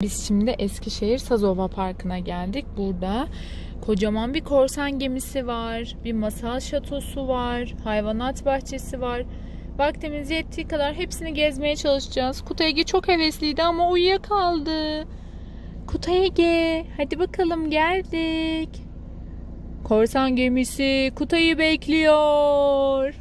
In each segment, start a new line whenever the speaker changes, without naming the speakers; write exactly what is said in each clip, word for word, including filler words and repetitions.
Biz şimdi Eskişehir Sazova Parkı'na geldik. Burada kocaman bir korsan gemisi var. Bir masal şatosu var. Hayvanat bahçesi var. Vaktimiz yettiği kadar hepsini gezmeye çalışacağız. Kutay Ege çok hevesliydi ama uyuyakaldı. Kutay Ege, hadi bakalım geldik. Korsan gemisi Kutay'ı bekliyor.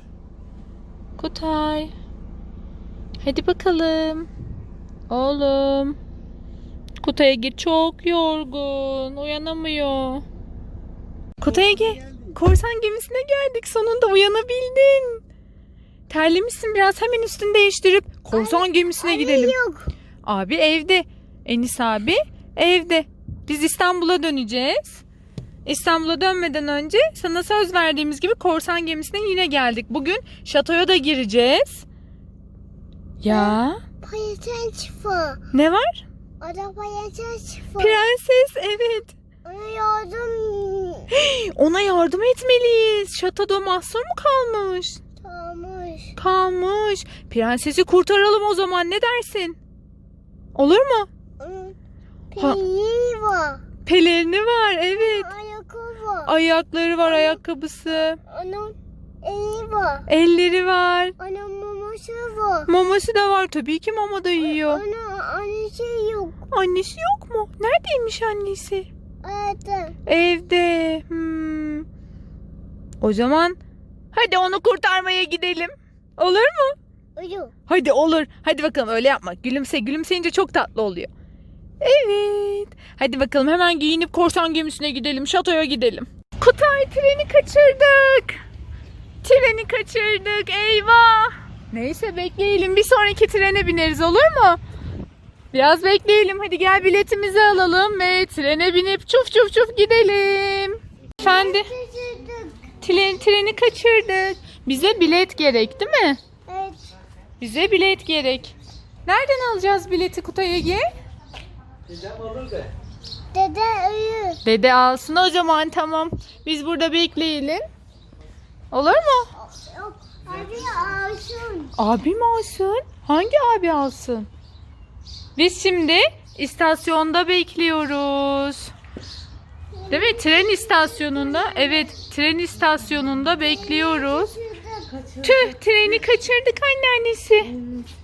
Kutay. Hadi bakalım. Oğlum. Kutay Ege çok yorgun. Uyanamıyor. Kutay Ege, korsan gemisine geldik. Sonunda uyanabildin. Terlemişsin biraz. Hemen üstünü değiştirip korsan anne, gemisine anne gidelim. Yok. Abi evde. Enis abi evde. Biz İstanbul'a döneceğiz. İstanbul'a dönmeden önce sana söz verdiğimiz gibi korsan gemisine yine geldik. Bugün şatoya da gireceğiz. Ya.
Prenses.
Ne var?
Orada prenses.
Prenses, evet.
Ona yardım.
Ona yardım etmeliyiz. Şatoda mahsur mu kalmış?
Kalmış.
Kalmış. Prensesi kurtaralım o zaman, ne dersin? Olur mu?
Pelerini var.
Pelerini var, evet.
Ayakkabı var.
Ayakları var, ayakkabısı.
Onun eli var.
Elleri var.
Onun maması var.
Maması da var. Tabii ki mama da yiyor.
Onun annesi yok.
Annesi yok mu? Neredeymiş annesi?
Evet.
Evde. Hmm. O zaman hadi onu kurtarmaya gidelim. Olur mu?
Olur.
Hadi olur. Hadi bakalım, öyle yapma. Gülümse. Gülümseyince çok tatlı oluyor. Evet. Hadi bakalım hemen giyinip korsan gemisine gidelim. Şatoya gidelim. Kutay, treni kaçırdık. Treni kaçırdık. Eyvah. Neyse bekleyelim. Bir sonraki trene bineriz, olur mu? Biraz bekleyelim. Hadi gel biletimizi alalım ve trene binip çuf çuf çuf gidelim. Efendim? Tren, treni kaçırdık. Bize bilet gerek değil mi?
Evet.
Bize bilet gerek. Nereden alacağız bileti Kutay Ege?
Dedem alır da. Dede uyur.
Dede alsın o zaman, tamam. Biz burada bekleyelim. Olur mu?
Yok. Abi alsın.
Abi mi alsın? Hangi abi alsın? Biz şimdi istasyonda bekliyoruz. Değil mi? Tren istasyonunda. Evet, tren istasyonunda bekliyoruz. Tüh, treni kaçırdık anneannesi.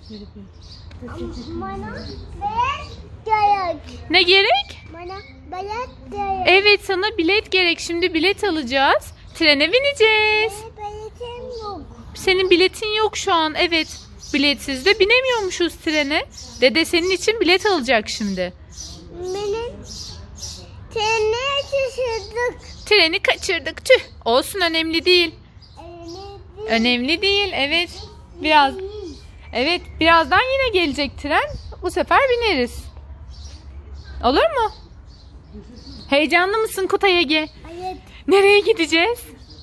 Bana bilet gerek.
Ne gerek?
Bana bilet gerek.
Evet, sana bilet gerek. Şimdi bilet alacağız. Trene bineceğiz.
Benim biletim yok.
Senin biletin yok şu an. Evet. Biletsiz de binemiyormuşuz trene. Dede senin için bilet alacak şimdi.
Benim treni şaşırdık.
Treni kaçırdık. Tüh. Olsun, önemli değil.
Elini
Önemli değil. Evet. Biraz. Evet. Birazdan yine gelecek tren. Bu sefer bineriz. Olur mu? Heyecanlı mısın Kutay Ege?
Evet.
Nereye gideceğiz?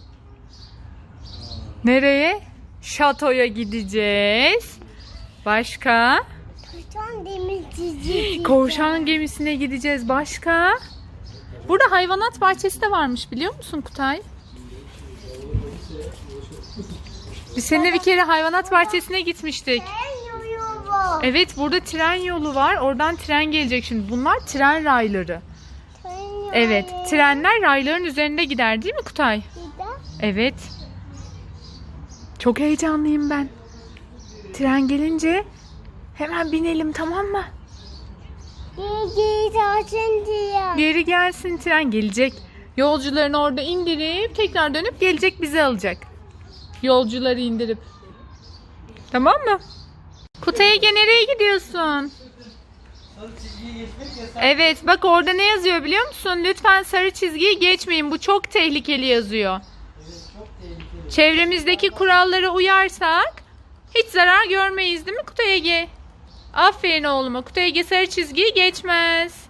Nereye? Şatoya gideceğiz. Başka?
Korsan demircici.
Korsan gemisine gideceğiz. Başka? Burada hayvanat bahçesi de varmış, biliyor musun Kutay? Biz seninle bir kere hayvanat bahçesine gitmiştik.
Ben yoruyorum.
Evet, burada tren yolu var. Oradan tren gelecek şimdi. Bunlar tren rayları. Evet, trenler rayların üzerinde gider değil mi Kutay? Evet. Çok heyecanlıyım ben. Tren gelince hemen binelim, tamam mı?
İyi gelsin diye.
Geri gelsin, tren gelecek. Yolcularını orada indirip tekrar dönüp gelecek, bizi alacak. Yolcuları indirip. Tamam mı? Kutay Ege, nereye gidiyorsun? Evet, bak orada ne yazıyor biliyor musun? Lütfen sarı çizgiyi geçmeyin. Bu çok tehlikeli yazıyor. Çevremizdeki kurallara uyarsak hiç zarar görmeyiz değil mi Kutay Ege? Aferin oğluma. Kutay Ege sarı çizgiyi geçmez.